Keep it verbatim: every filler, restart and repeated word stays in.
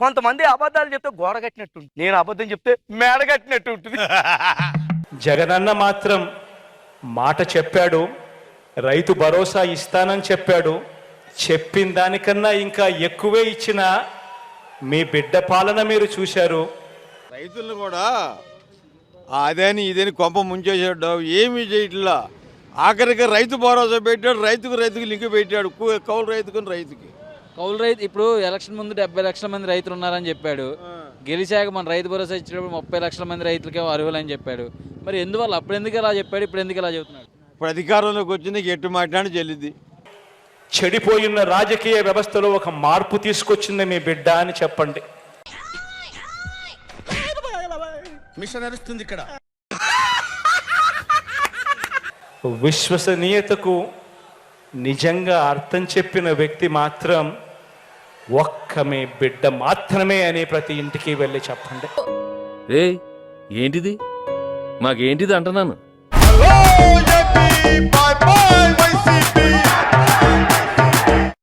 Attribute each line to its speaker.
Speaker 1: కొంతమంది అబద్ధాలు చెప్తే గోడ కట్టినట్టు ఉంటుంది, నేను అబద్ధం చెప్తే మేడ కట్టినట్టు ఉంటుంది.
Speaker 2: జగనన్న మాత్రం మాట చెప్పాడు, రైతు భరోసా ఇస్తానని చెప్పాడు. చెప్పిన దానికన్నా ఇంకా ఎక్కువే ఇచ్చిన మీ బిడ్డ పాలన మీరు చూశారు.
Speaker 3: రైతులను కూడా అదేని ఇదేని కొంప ముంచేసాడు, ఏమీ చేయట్లా. ఆఖరికి రైతు భరోసా పెట్టాడు, రైతుకు రైతుకు లింక్ పెట్టాడు, కౌలు రైతుకు రైతుకి.
Speaker 4: కౌలు రైతు ఇప్పుడు ఎలక్షన్ ముందు డెబ్బై లక్షల మంది రైతులు ఉన్నారని చెప్పాడు. గెలిచాక మన రైతు భరోసా ఇచ్చినప్పుడు ముప్పై లక్షల మంది రైతులకే అర్హులని చెప్పాడు. మరి ఎందువల్ల అప్పుడు ఎందుకు ఇలా చెప్పాడు, ఇప్పుడు ఎందుకు ఇలా చెబుతున్నాడు?
Speaker 3: ఇప్పుడు అధికారంలోకి వచ్చి నీకు ఎట్టు మాట్లాడి చెల్లిద్ది.
Speaker 2: చెడిపోయిన రాజకీయ వ్యవస్థలో ఒక మార్పు తీసుకొచ్చింది మీ బిడ్డ అని చెప్పండి.
Speaker 5: మిషన్ నడుస్తుంది ఇక్కడ.
Speaker 2: విశ్వసనీయతకు నిజంగా అర్థం చెప్పిన వ్యక్తి మాత్రం ఒక్క మీ బిడ్డ మాత్రమే అని ప్రతి ఇంటికి వెళ్ళి చెప్పండి.
Speaker 6: రే ఏంటిది, మాకేంటిది అంటున్నాను.
Speaker 3: Hello AP bye